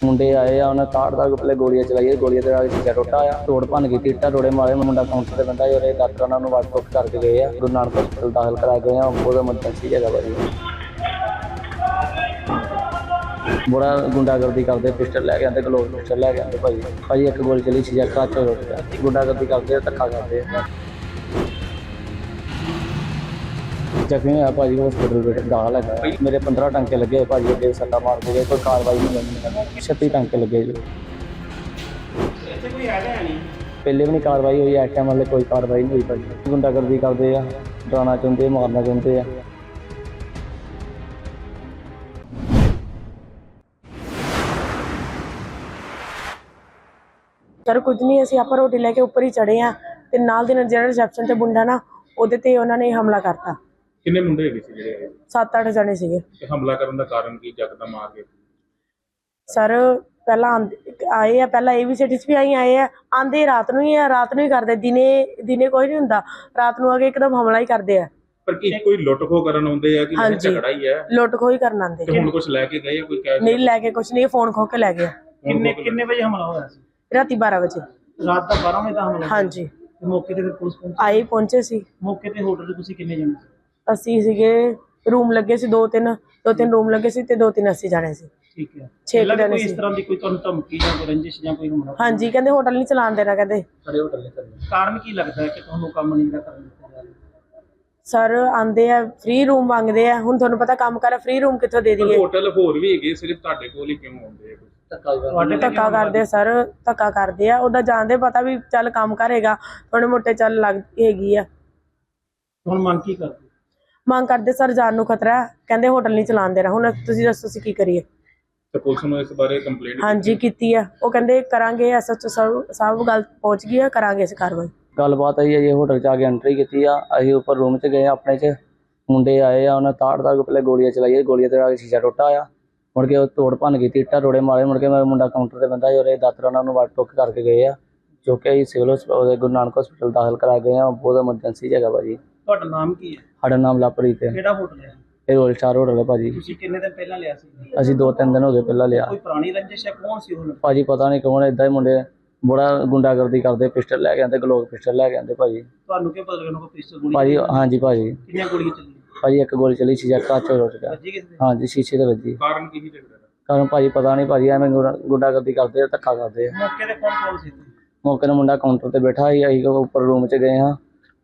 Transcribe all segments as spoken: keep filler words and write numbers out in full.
ਮੁੰਡੇ ਆਏ ਆ, ਉਹਨਾਂ ਤਾੜ ਤਾੜ ਕੇ ਪਹਿਲੇ ਗੋਲੀਆਂ ਚਲਾਈਆਂ, ਗੋਲੀਆਂ ਦੇ ਨਾਲ ਸ਼ੀਸ਼ਾ ਟੁੱਟਾ ਆ, ਤੋੜ ਭੰਨ ਗਈ, ਟੀਟਾ ਟੋੜੇ ਮਾਰੇ। ਮੁੰਡਾ ਕਾਊਂਟਰ ਤੇ ਬੰਦਾ ਜਿਹੜੇ ਡਾਕਟਰ ਉਹਨਾਂ ਨੂੰ ਵੱਟ ਟੁੱਟ ਕਰਕੇ ਗਏ ਆ, ਗੁਰੂ ਨਾਨਕ ਹਸਪਤਾਲ ਦਾਖਲ ਕਰਾ ਗਏ ਆ। ਉਹਦਾ ਐਮਰਜੈਂਸੀ ਹੈਗਾ ਭਾਜੀ, ਬੜਾ ਗੁੰਡਾਗਰਦੀ ਕਰਦੇ, ਪਿਸਟਲ ਲੈ ਕੇ ਆਉਂਦੇ, ਗਲੋਬ ਪਿਸਟਲ ਲੈ ਕੇ ਆਉਂਦੇ ਭਾਜੀ। ਭਾਜੀ ਇੱਕ ਗੋਲੀ ਚਲੀ, ਸ਼ੀਸ਼ਾ ਕੱਚ ਟੁੱਟ ਗਿਆ। ਗੁੰਡਾਗਰਦੀ ਕਰਦੇ, ਧੱਕਾ ਕਰਦੇ ਆ। ਜ਼ਖਮੀ ਹੋਇਆ ਭਾਜੀ, ਹਸਪੀਟਲ ਵਿੱਚ ਦਾਖਲ ਹੈਗਾ। ਮੇਰੇ ਪੰਦਰਾਂ ਟਾਂਕੇ ਲੱਗੇ ਭਾਜੀ, ਅੱਗੇ ਸੱਟਾਂ ਮਾਰ ਕੇ ਗਏ, ਕੋਈ ਕਾਰਵਾਈ ਨਹੀਂ ਹੋਈ। ਛੱਤੀ ਟਾਂਕੇ ਲੱਗੇ ਜੀ। ਇੱਥੇ ਕੋਈ ਹੈਗਾ ਨਹੀਂ, ਪਹਿਲੇ ਵੀ ਨਹੀਂ ਕਾਰਵਾਈ ਹੋਈ, ਇਸ ਟਾਈਮ ਵਾਲੇ ਕੋਈ ਕਾਰਵਾਈ ਨਹੀਂ ਹੋਈ ਭਾਜੀ। ਗੁੰਡਾਗਰਦੀ ਕਰਦੇ ਆ, ਡਰਾਉਣਾ ਚਾਹੁੰਦੇ, ਮਾਰਨਾ ਚਾਹੁੰਦੇ ਆ। ਸਰ ਕੁਝ ਨਹੀਂ, ਅਸੀਂ ਆਪਾਂ ਰੋਟੀ ਲੈ ਕੇ ਉੱਪਰ ਹੀ ਚੜੇ ਆ ਤੇ ਨਾਲ ਦੇ ਨਾਲ ਜਿਹੜਾ ਰਿਸੈਪਸ਼ਨ ਤੇ ਮੁੰਡਾ ਨਾ, ਉਹਦੇ ਤੇ ਉਹਨਾਂ ਨੇ ਹਮਲਾ ਕਰਤਾ। ਕਿੰਨੇ ਮੁੰਡੇ ਹੈਗੇ ਸੀ ਜਿਹੜੇ? ਸੱਤ ਅੱਠ ਜਣੇ ਸੀਗੇ। ਤੇ ਹਮਲਾ ਕਰਨ ਦਾ ਕਾਰਨ ਕੀ ਯਕਦਮ ਆ ਕੇ? ਸਰ ਪਹਿਲਾਂ ਆਏ ਆ, ਪਹਿਲਾਂ ਏ ਵੀ ਸਿਟੀ 'ਚ ਵੀ ਆਈ ਆਏ ਆ, ਆਂਦੇ ਰਾਤ ਨੂੰ ਹੀ ਆ, ਰਾਤ ਨੂੰ ਹੀ ਕਰਦੇ, ਦਿਨੇ ਦਿਨੇ ਕੋਈ ਨਹੀਂ ਹੁੰਦਾ, ਰਾਤ ਨੂੰ ਆ ਕੇ ਇੱਕਦਮ ਹਮਲਾ ਹੀ ਕਰਦੇ ਆ। ਪਰ ਕੀ ਕੋਈ ਲੁੱਟ ਖੋ ਕਰਨ ਆਉਂਦੇ ਆ ਕਿ ਨਹੀਂ? ਝਗੜਾ ਹੀ ਹੈ, ਲੁੱਟ ਖੋ ਹੀ ਕਰਨ ਆਉਂਦੇ। ਤੇ ਹੁਣ ਕੁਝ ਲੈ ਕੇ ਗਏ ਕੋਈ ਕੈਸ਼? ਨਹੀਂ ਲੈ ਕੇ ਕੁਝ ਨਹੀਂ, ਫੋਨ ਖੋ ਕੇ ਲੈ ਗਿਆ। ਕਿੰਨੇ ਕਿੰਨੇ ਵਜੇ ਹਮਲਾ ਹੋਇਆ ਸੀ? ਰਾਤੀ ਬਾਰਾਂ ਵਜੇ। ਰਾਤ ਦਾ ਬਾਰਾਂ ਵਜੇ ਦਾ ਹਮਲਾ? ਹਾਂਜੀ। ਤੇ ਮੌਕੇ ਤੇ ਫਿਰ ਪੁਲਿਸ ਪਹੁੰਚੀ? ਆਏ ਪਹੁੰਚੇ ਸੀ। ਮੌਕੇ ਤੇ ਹੋਟਲ 'ਚ ਤੁਸੀਂ ਕਿੰਨੇ ਜਣੇ ਸੀ? ਅਸੀਂ ਸੀਗੇ, ਰੂਮ ਲੱਗੇ ਸੀ ਦੋ ਤਿੰਨ, ਦੋ ਤਿੰਨ ਰੂਮ ਲੱਗੇ ਸੀ ਤੇ ਦੋ ਤਿੰਨ ਅਸੀਂ ਜਾਣੇ ਸੀ। ਠੀਕ ਹੈ। ਛੇ ਪਹਿਲਾਂ ਜਣੇ ਕੋਈ ਸੀ। ਇਸ ਤਰ੍ਹਾਂ ਦੀ ਕੋਈ ਤੁਹਾਨੂੰ ਧਮਕੀ ਜਾਂ ਕੋਈ ਰੰਜਿਸ਼ ਜਾਂ ਕੋਈ ਹਮਲਾ? ਹਾਂਜੀ, ਕਹਿੰਦੇ ਹੋਟਲ ਨਹੀਂ ਚਲਾਉਣ ਦੇਣਾ, ਕਹਿੰਦੇ ਖੜੇ ਹੋਟਲ ਨਹੀਂ ਕਰਨੇ। ਕਾਰਨ ਕੀ ਲੱਗਦਾ ਹੈ ਕਿ ਤੁਹਾਨੂੰ ਕੰਮ ਨਹੀਂ ਜਿਹੜਾ ਕਰਨ ਦਿੱਤਾ ਜਾ ਰਿਹਾ? ਸਰ ਆਂਦੇ ਆ, ਫ੍ਰੀ ਰੂਮ ਮੰਗਦੇ ਆ। ਹੁਣ ਤੁਹਾਨੂੰ ਪਤਾ ਕੰਮ ਕਰ, ਫ੍ਰੀ ਰੂਮ ਕਿੱਥੋਂ ਦੇ ਦਈਏ? ਹੋਟਲ ਹੋਰ ਵੀ ਹੈਗੇ, ਸਿਰਫ ਤੁਹਾਡੇ ਕੋਲ ਹੀ ਕਿਉਂ ਆਉਂਦੇ ਆ? ਤੁਹਾਡੇ ਤੇ ਧੱਕਾ ਕਰਦੇ ਸਰ, ਧੱਕਾ ਕਰਦੇ ਆ। ਉਹਦਾ ਜਾਣਦੇ ਪਤਾ ਵੀ ਚੱਲ ਕੰਮ ਕਰੇਗਾ, ਥੋੜੇ ਮੋਟੇ ਚੱਲ ਲੱਗ ਹੈਗੀ ਆ। ਹੁਣ ਮੰਗ ਕੀ ਕਰਦੇ? ਮੰਗ ਕਰਦੇ ਸਰ, ਜਾਨ ਨੂੰ ਖਤਰਾ, ਕਹਿੰਦੇ ਹੋਟਲ ਨਹੀਂ ਚਲਾਉਣ ਦੇਣਾ। ਹੁਣ ਤੁਸੀਂ ਦੱਸੋ ਅਸੀਂ ਕੀ ਕਰੀਏ? ਤੇ ਪੁਲਿਸ ਨੂੰ ਇਸ ਬਾਰੇ ਕੰਪਲੇਂਟ? ਹਾਂਜੀ ਕੀਤੀ ਆ, ਉਹ ਕਹਿੰਦੇ ਕਰਾਂਗੇ, ਐਸਐਚਓ ਸਾਹਿਬ ਸਾਹਿਬ ਗੱਲ ਪਹੁੰਚ ਗਈ ਆ, ਕਰਾਂਗੇ ਅਸੀਂ ਕਾਰਵਾਈ। ਗੱਲਬਾਤ ਆਈ ਹੈ ਜੀ, ਹੋਟਲ 'ਚ ਆ ਕੇ ਐਂਟਰੀ ਕੀਤੀ ਆ। ਅਸੀਂ ਉੱਪਰ ਰੂਮ 'ਚ ਗਏ ਆਪਣੇ 'ਚ, ਮੁੰਡੇ ਆਏ ਆ, ਉਹਨਾਂ ਤਾੜ ਤਾੜ ਕੇ ਪਹਿਲੇ ਗੋਲੀਆਂ ਚਲਾਈਆਂ, ਗੋਲੀਆਂ ਦੇ ਨਾਲ ਸ਼ੀਸ਼ਾ ਟੁੱਟਾ ਆ। ਮੁੜ ਕੇ ਉਹ ਤੋੜ ਭੰਨ ਗਈ, ਟੀਟਾ ਟੋੜੇ ਮਾਰੇ। ਮੁੜ ਕੇ ਮੇਰਾ ਮੁੰਡਾ ਕਾਊਂਟਰ ਤੇ ਬੰਦਾ ਜਿਹੜੇ ਦਾਤਰ ਉਹਨਾਂ ਨੂੰ ਵੱਟ ਟੁੱਕ ਕਰਕੇ ਗਏ ਆ, ਜੋ ਕਿ ਅਸੀਂ ਸਿਵਲ ਹਸਪਤਾਲ ਗੁਰੂ ਨਾਨਕ ਹਸਪਤਾਲ ਦਾਖਲ ਕਰਾ ਗਏ ਆ। ਬਹੁਤ ਐਮਰਜੈਂਸੀ ਹੈਗਾ ਭਾਜੀ। ਤੁਹਾਡਾ ਨਾਮ ਕੀ ਹੈ? ਸਾਡਾ ਨਾਮ ਲਵਪ੍ਰੀਤ ਹੈ। ਕਿਹੜਾ ਹੋਟਲ ਹੈ? ਇਹ ਰੋਲ ਸਟਾਰ ਹੋਟਲ ਹੈ ਭਾਜੀ। ਤੁਸੀਂ ਕਿੰਨੇ ਦਿਨ ਪਹਿਲਾਂ ਲਿਆ ਸੀ? ਅਸੀਂ ਦੋ ਤਿੰਨ ਦਿਨ ਹੋ ਗਏ ਪਹਿਲਾਂ ਲਿਆ। ਕੋਈ ਪੁਰਾਣੀ ਰੰਜਿਸ਼ ਹੈ? ਕੌਣ ਸੀ ਉਹ? ਭਾਜੀ ਪਤਾ ਨਹੀਂ ਕੌਣ, ਏਦਾਂ ਹੀ ਮੁੰਡੇ ਬੜਾ ਗੁੰਡਾਗਰਦੀ ਕਰਦੇ, ਪਿਸਟਲ ਲੈ ਕੇ ਆਉਂਦੇ, ਗਲੋਬ ਪਿਸਟਲ ਲੈ ਕੇ ਆਉਂਦੇ ਭਾਜੀ। ਤੁਹਾਨੂੰ ਕੀ ਪਤਾ ਲੱਗਣਾ ਕੋਈ ਪਿਸਤੌਲ ਗੋਲੀ? ਭਾਜੀ ਹਾਂਜੀ ਭਾਜੀ। ਕਿੰਨੀਆਂ ਗੋਲੀਆਂ ਚੱਲੀਆਂ? ਭਾਜੀ ਇੱਕ ਗੋਲੀ ਚਲੀ, ਸ਼ੀਸ਼ਾ ਕੱਚ ਟੁੱਟ ਗਿਆ। ਵੱਜੀ ਕਿਸੇ ਦੇ? ਹਾਂਜੀ ਸ਼ੀਸ਼ੇ ਤੇ ਵੱਜੀ। ਕਾਰਨ ਕੀ ਸੀ ਝਗੜੇ ਦਾ? ਕਾਰਨ ਭਾਜੀ ਪਤਾ ਨਹੀਂ ਭਾਜੀ, ਐਵੇਂ ਗੁੰਡਾਗਰਦੀ ਕਰਦੇ ਆ, ਧੱਕਾ ਕਰਦੇ ਆ। ਮੌਕੇ ਤੇ ਕੌਣ ਕੌਣ ਸੀ? ਮੌਕੇ ਨੂੰ ਮੁੰਡਾ ਕਾਊਂਟਰ ਤੇ ਬੈਠਾ ਸੀ, ਅਸੀਂ ਉੱਪਰ ਰੂਮ 'ਚ ਗਏ ਹਾਂ।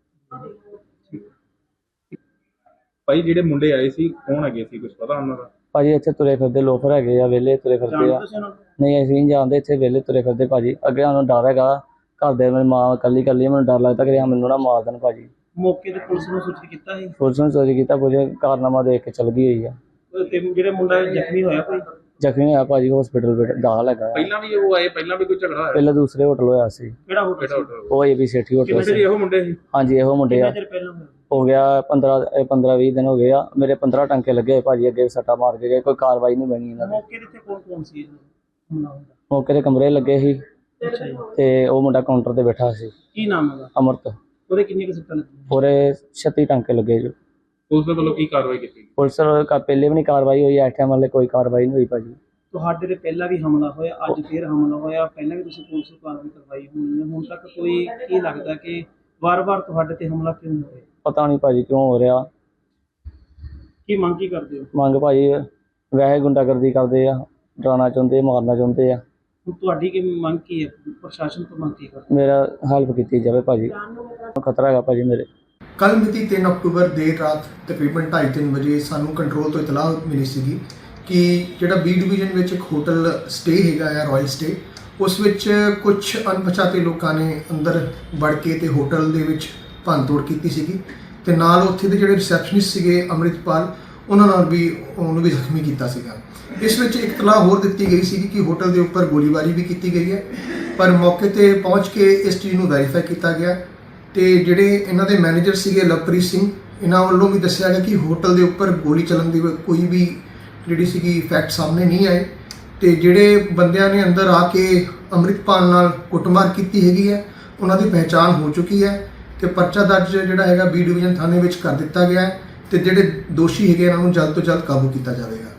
ਭਾਈ ਜਿਹੜੇ ਮੁੰਡੇ ਆਏ ਸੀ ਕੌਣ ਹੈਗੇ ਸੀ, ਕੁਝ ਪਤਾ ਉਹਨਾਂ ਦਾ? ਭਾਜੀ ਇੱਥੇ ਤੁਰੇ ਫਿਰਦੇ ਲੋਫਰ ਹੈਗੇ ਆ, ਵਿਹਲੇ ਤੁਰੇ ਫਿਰਦੇ ਆ। ਜਾਣਦੇ ਸੀ ਉਹਨਾਂ ਨੂੰ? ਨਹੀਂ ਅਸੀਂ ਨਹੀਂ ਜਾਣਦੇ, ਇੱਥੇ ਵਿਹਲੇ ਤੁਰੇ ਫਿਰਦੇ ਭਾਜੀ। ਅੱਗੇ ਸਾਨੂੰ ਡਰ ਹੈਗਾ, ਘਰ ਦੇ ਮੇਰੀ ਮਾਂ ਇਕੱਲੀ ਇਕੱਲੀ, ਮੈਨੂੰ ਡਰ ਲੱਗਦਾ ਕਿ ਮੈਨੂੰ ਨਾ ਮਾਰ ਦੇਣ ਭਾਜੀ। ਮੌਕੇ ਤੇ ਪੁਲਿਸ ਨੂੰ ਸੂਚਿਤ ਕੀਤਾ ਸੀ? ਪੁਲਿਸ ਨੂੰ ਚੋਰੀ ਕੀਤਾ, ਪੁਲਿਸ ਕਾਰਨਾਮਾ ਦੇਖ ਕੇ ਚਲ ਗਈ ਹੋਈ ਆ। ਤੇ ਜਿਹੜੇ ਮੁੰਡਾ ਜ਼ਖਮੀ ਹੋਇਆ ਕੋਈ? ਜ਼ਖਮੀ ਹੋਇਆ ਭਾਜੀ, ਹਸਪੀਟਲ ਵਿੱਚ ਦਾਖਲ ਹੈਗਾ। ਪਹਿਲਾਂ ਵੀ ਉਹ ਆਏ, ਪਹਿਲਾਂ ਵੀ ਕੋਈ ਝਗੜਾ ਹੋਇਆ? ਪਹਿਲਾਂ ਦੂਸਰੇ ਹੋਟਲ ਹੋਇਆ ਸੀ। ਕਿਹੜਾ ਹੋਟਲ? ਕਿਹੜਾ ਹੋਟਲ? ਉਹ ਏ ਬੀ ਸਿਟੀ ਹੋਟਲ ਕਿੰਨੇ ਸੀ। ਇਹੋ ਮੁੰਡੇ ਸੀ? ਹਾਂਜੀ ਇਹੋ ਮੁੰਡੇ ਆ। ਕਿੰਨੇ ਚਿਰ ਪਹਿਲਾਂ ਹੋਇਆ? ਹੋ ਗਿਆ ਪੰਦਰਾਂ ਪੰਦਰਾਂ ਵੀਹ ਦਿਨ ਹੋ ਗਏ ਆ। ਮੇਰੇ ਪੰਦਰਾਂ ਟਾਂਕੇ ਲੱਗੇ ਭਾਜੀ, ਅੱਗੇ ਸੱਟਾ ਮਾਰ ਕੇ ਗਏ, ਕੋਈ ਕਾਰਵਾਈ ਨਹੀਂ ਬਣੀ ਇਹਨਾਂ ਦੀ। ਮੌਕੇ ਤੇ ਕੌਣ ਕੌਣ ਸੀ? ਮੌਕੇ ਦੇ ਕਮਰੇ ਲੱਗੇ ਸੀ ਅੱਛਾ ਜੀ। ਤੇ ਉਹ ਮੁੰਡਾ ਕਾਊਂਟਰ ਤੇ ਬੈਠਾ ਸੀ, ਕੀ ਨਾਮ ਹੈਗਾ? ਅਮਰਤ। ਉਹਦੇ ਕਿੰਨੇ ਕੁ ਸੱਟਾਂ ਲੱਗੀਆਂ? ਪੂਰੇ ਛੱਤੀ ਟਾਂਕੇ ਲੱਗੇ ਜੀ। ਪੁਲਿਸ ਦੇ ਵੱਲੋਂ ਕੀ ਕਾਰਵਾਈ ਕੀਤੀ? ਪੁਲਿਸ ਵੱਲੋਂ ਪਹਿਲੇ ਵੀ ਨਹੀਂ ਕਾਰਵਾਈ ਹੋਈ, ਇਸ ਟਾਈਮ ਵਾਲੇ ਕੋਈ ਕਾਰਵਾਈ ਨਹੀਂ ਹੋਈ ਭਾਜੀ। ਤੁਹਾਡੇ ਤੇ ਪਹਿਲਾਂ ਵੀ ਹਮਲਾ ਹੋਇਆ, ਅੱਜ ਫੇਰ ਹਮਲਾ ਹੋਇਆ, ਪਹਿਲਾਂ ਵੀ ਤੁਸੀਂ ਪੁਲਿਸ ਨੂੰ ਕਾਰਵਾਈ ਕਰਵਾਈ ਹੋਣੀ ਹੈ, ਹੁਣ ਤੱਕ ਕੋਈ ਕੀ ਲੱਗਦਾ ਕਿ ਵਾਰ-ਵਾਰ ਤੁਹਾਡੇ ਤੇ ਹਮਲਾ ਕਿਉਂ ਹੋ ਰਿਹਾ? ਪਤਾ ਨਹੀਂ ਭਾਜੀ ਕਿਉਂ ਹੋ ਰਿਹਾ। ਕੀ ਮੰਗ ਕੀ ਕਰਦੇ ਹੋ? ਮੰਗ ਭਾਜੀ ਵੈਸੇ ਗੁੰਡਾਗਰਦੀ ਕਰਦੇ ਆ, ਡਰਾਉਣਾ ਚਾਹੁੰਦੇ, ਮਾਰਨਾ ਚਾਹੁੰਦੇ ਆ। ਹੁਣ ਤੁਹਾਡੀ ਕੀ ਮੰਗ ਕੀ ਹੈ? ਪ੍ਰਸ਼ਾਸਨ ਤੋਂ ਮੰਗ ਕੀ ਕਰਦੇ? ਮੇਰਾ ਹੈਲਪ ਕੀਤੀ ਜਾਵੇ ਭਾਜੀ, ਖਤਰਾ ਹੈਗਾ ਭਾਜੀ ਮੇਰੇ। ਕੱਲ੍ਹ ਮਿਤੀ ਤਿੰਨ ਅਕਤੂਬਰ ਦੇਰ ਰਾਤ ਤਕਰੀਬਨ ਢਾਈ ਤਿੰਨ ਵਜੇ ਸਾਨੂੰ ਕੰਟਰੋਲ ਤੋਂ ਇਤਲਾਹ ਮਿਲੀ ਸੀਗੀ ਕਿ ਜਿਹੜਾ ਬੀ ਡਿਵੀਜ਼ਨ ਵਿੱਚ ਇੱਕ ਹੋਟਲ ਸਟੇ ਹੈਗਾ ਆ, ਰਾਇਲ ਸਟੇ, ਉਸ ਵਿੱਚ ਕੁਝ ਅਣਪਛਾਤੇ ਲੋਕਾਂ ਨੇ ਅੰਦਰ ਵੜ ਕੇ ਤੇ ਹੋਟਲ ਦੇ ਵਿੱਚ ਭੰਨਤੋੜ ਕੀਤੀ ਸੀਗੀ ਤੇ ਨਾਲ ਉੱਥੇ ਦੇ ਜਿਹੜੇ ਰਿਸੈਪਸ਼ਨਿਸਟ ਸੀਗੇ ਅੰਮ੍ਰਿਤਪਾਲ, ਉਹਨਾਂ ਨਾਲ ਵੀ ਉਹਨੂੰ ਵੀ ਜ਼ਖਮੀ ਕੀਤਾ ਸੀਗਾ। ਇਸ ਵਿੱਚ ਇੱਕ ਇਤਲਾਹ ਹੋਰ ਦਿੱਤੀ ਗਈ ਸੀ ਕਿ ਹੋਟਲ ਦੇ ਉੱਪਰ ਗੋਲੀਬਾਰੀ ਵੀ ਕੀਤੀ ਗਈ ਹੈ, ਪਰ ਮੌਕੇ ਤੇ ਪਹੁੰਚ ਕੇ ਇਸ ਚੀਜ਼ ਨੂੰ ਵੈਰੀਫਾਈ ਕੀਤਾ ਗਿਆ ਤੇ ਜਿਹੜੇ ਇਹਨਾਂ ਦੇ ਮੈਨੇਜਰ ਸੀਗੇ ਲਵਪ੍ਰੀਤ ਸਿੰਘ, ਇਹਨਾਂ ਵੱਲੋਂ ਵੀ ਦੱਸਿਆ ਗਿਆ ਕਿ ਹੋਟਲ ਦੇ ਉੱਪਰ ਗੋਲੀ ਚੱਲਣ ਦੀ ਕੋਈ ਵੀ ਜਿਹੜੀ ਸੀਗੀ ਫੈਕਟ ਸਾਹਮਣੇ ਨਹੀਂ ਆਏ ਤੇ ਜਿਹੜੇ ਬੰਦਿਆਂ ਨੇ ਅੰਦਰ ਆ ਕੇ ਅੰਮ੍ਰਿਤਪਾਲ ਨਾਲ ਕੁੱਟਮਾਰ ਕੀਤੀ ਹੈਗੀ ਹੈ, ਉਹਨਾਂ ਦੀ ਪਹਿਚਾਣ ਹੋ ਚੁੱਕੀ ਹੈ ਤੇ ਪਰਚਾ ਦਰਜ ਜਿਹੜਾ ਹੈਗਾ ਬੀ ਡਿਵੀਜ਼ਨ ਥਾਣੇ ਵਿੱਚ ਕਰ ਦਿੱਤਾ ਗਿਆ ਹੈ ਤੇ ਜਿਹੜੇ ਦੋਸ਼ੀ ਹੈਗੇ ਇਹਨਾਂ ਨੂੰ ਜਲਦ ਤੋਂ ਜਲਦ ਕਾਬੂ ਕੀਤਾ ਜਾਵੇਗਾ।